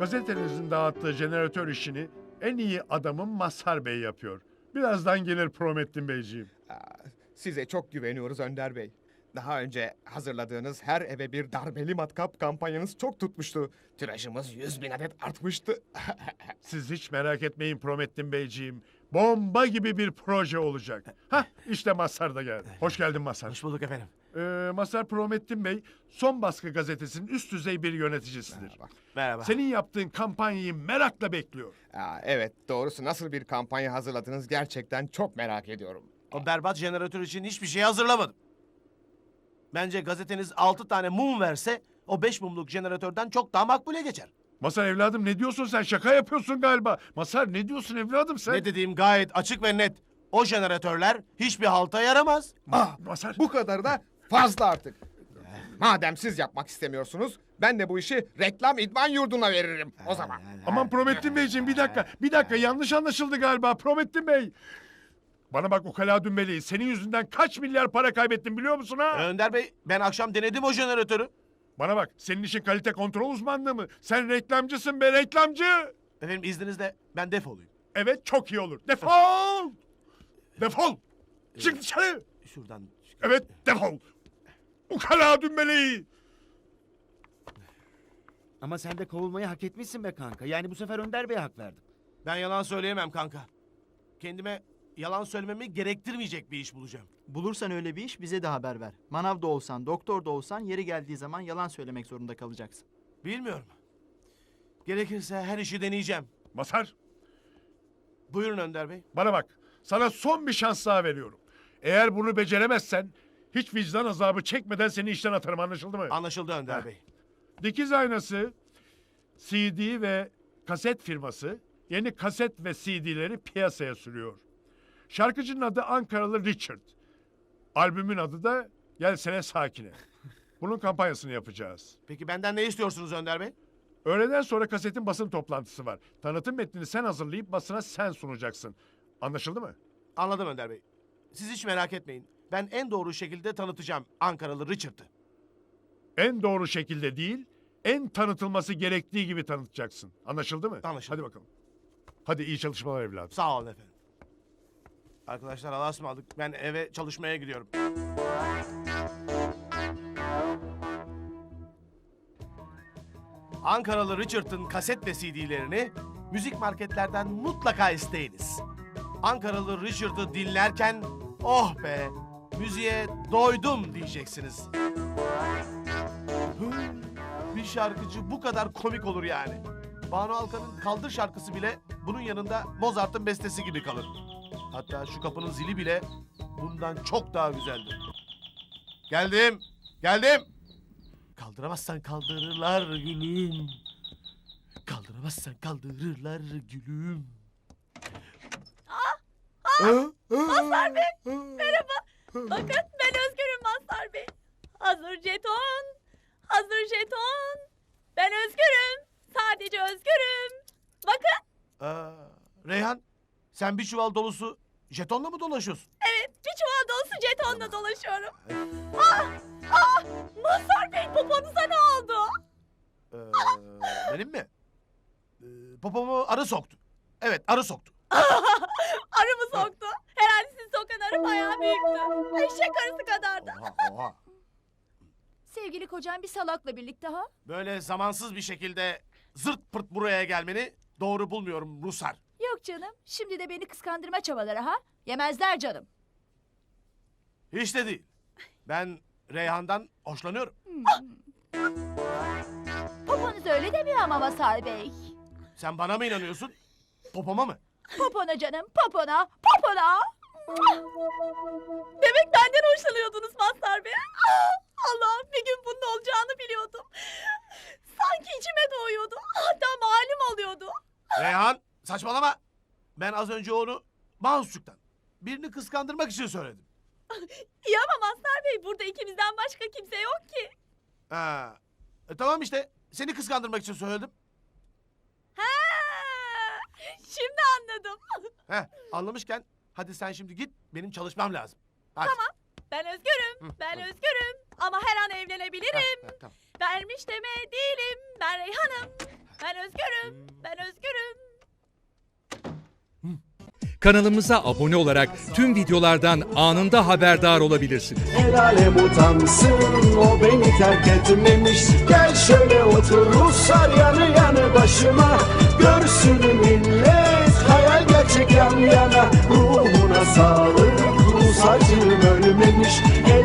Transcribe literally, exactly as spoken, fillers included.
Gazetenizin dağıttığı jeneratör işini en iyi adamım Mazhar Bey yapıyor. Birazdan gelir Promettin Beyciğim. Aa, size çok güveniyoruz Önder Bey. Daha önce hazırladığınız her eve bir darbeli matkap kampanyanız çok tutmuştu. Tirajımız yüz bin adet artmıştı. Siz hiç merak etmeyin Promettin Beyciğim. Bomba gibi bir proje olacak. Hah işte Mazhar da geldi. Hoş geldin Mazhar. Hoş bulduk efendim. Ee, Mazhar Promettin Bey Son Baskı gazetesinin üst düzey bir yöneticisidir. Merhaba. Merhaba. Senin yaptığın kampanyayı merakla bekliyor. Aa, evet, doğrusu nasıl bir kampanya hazırladınız gerçekten çok merak ediyorum. O berbat jeneratör için hiçbir şey hazırlamadım. Bence gazeteniz altı tane mum verse o beş mumluk jeneratörden çok daha makbule geçer. Mazhar evladım ne diyorsun sen? Şaka yapıyorsun galiba. Mazhar ne diyorsun evladım sen? Ne dediğim gayet açık ve net. O jeneratörler hiçbir halta yaramaz. Ah, Mazhar. bu kadar da fazla artık. Madem siz yapmak istemiyorsunuz, ben de bu işi reklam idman yurduna veririm o zaman. Aman Promettin Beyciğim bir dakika. Bir dakika yanlış anlaşıldı galiba Promettin Bey. Bana bak ukala dümbeli. Senin yüzünden kaç milyar para kaybettim biliyor musun ha? Önder Bey, ben akşam denedim o jeneratörü. Bana bak senin işin kalite kontrol uzmanlığı mı? Sen reklamcısın be reklamcı. Efendim izninizle ben defolayım. Evet çok iyi olur. Defol. Defol. Çık dışarı. Şuradan. Evet defol. Ukala dümbeli. Ama sen de kovulmayı hak etmişsin be kanka. Yani bu sefer Önder Bey'e hak verdim. Ben yalan söyleyemem kanka. Kendime yalan söylememi gerektirmeyecek bir iş bulacağım. Bulursan öyle bir iş bize de haber ver. Manav da olsan, doktor da olsan yeri geldiği zaman yalan söylemek zorunda kalacaksın. Bilmiyorum. Gerekirse her işi deneyeceğim. Mazhar Buyurun Önder Bey. bana bak. Sana son bir şans daha veriyorum. Eğer bunu beceremezsen hiç vicdan azabı çekmeden seni işten atarım anlaşıldı mı? Anlaşıldı Önder Bey. Dikiz aynası, C D ve kaset firması yeni kaset ve C D'leri piyasaya sürüyor. Şarkıcının adı Ankaralı Richard. Albümün adı da Gelsene Sakine. Bunun kampanyasını yapacağız. Peki benden ne istiyorsunuz Önder Bey? Öğleden sonra kasetin basın toplantısı var. Tanıtım metnini sen hazırlayıp basına sen sunacaksın. Anlaşıldı mı? Anladım Önder Bey. Siz hiç merak etmeyin. Ben en doğru şekilde tanıtacağım Ankaralı Richard'ı. En doğru şekilde değil, en tanıtılması gerektiği gibi tanıtacaksın. Anlaşıldı mı? Anlaşıldı. Hadi bakalım. Hadi iyi çalışmalar evladım. Sağ olun efendim. Arkadaşlar Allah'a ısmarladık. Ben eve çalışmaya gidiyorum. Ankaralı Richard'ın kaset ve C D'lerini müzik marketlerden mutlaka isteyiniz. Ankaralı Richard'ı dinlerken oh be müziğe doydum diyeceksiniz. Hı, bir şarkıcı bu kadar komik olur yani. Banu Alkan'ın Kaldır şarkısı bile bunun yanında Mozart'ın bestesi gibi kalır. Hatta şu kapının zili bile bundan çok daha güzeldir. Geldim, geldim. Kaldıramazsan kaldırırlar gülüm. Kaldıramazsan kaldırırlar gülüm. Mazhar Bey, merhaba. Bakın ben Özgür'üm Mazhar Bey. Hazır jeton, hazır jeton. Ben Özgür'üm, sadece Özgür'üm. Bakın, Aa, Reyhan, sen bir çuval dolusu jetonla mı dolaşıyorsun? evet bir çuval dolusu jetonla dolaşıyorum. Ah, ah, Mazhar Bey poponuza ne oldu? Ee, benim mi? Ee, popomu arı soktu. Evet, arı soktu. Arı mı soktu? Herhalde sizi sokan arı bayağı büyüktü. Eşek arısı kadardı. Oha, oha. Sevgili kocam bir salakla birlikte ha? Böyle zamansız bir şekilde zırt pırt buraya gelmeni doğru bulmuyorum Rusar. Yok canım. Şimdi de beni kıskandırma çabaları ha? Yemezler canım. Hiç de değil. Ben Reyhan'dan hoşlanıyorum. Poponuz öyle demiyor ama Mazhar Bey. Sen bana mı inanıyorsun? Popoma mı? Popona canım, popona, popona. Demek benden hoşlanıyordunuz Mazhar Bey. Ah, Allah'ım bir gün bunun olacağını biliyordum. Sanki içime doğuyordu. Hatta malum oluyordu. Reyhan saçmalama. Ben az önce onu Mahsusçuk'tan birini kıskandırmak için söyledim. İyi ama Mazhar Bey burada ikimizden başka kimse yok ki. Ha. E, tamam işte seni kıskandırmak için söyledim. Ha, şimdi anladım. Heh, anlamışken hadi sen şimdi git benim çalışmam lazım. Hadi. Tamam. Ben özgürüm. Ben özgürüm. Ama her an evlenebilirim. Heh, heh, tamam. Vermiş deme değilim. Ben Reyhan'ım. Ben özgürüm. Ben özgürüm. Kanalımıza abone olarak tüm videolardan anında haberdar olabilirsiniz. El alem utansın, o beni terk etmemiş. Gel şöyle otur Ruslar yanı yanı başıma. Görsün millet, hayal gerçek yan yana. Ruhuna sağlık, Rus acım ölmemiş.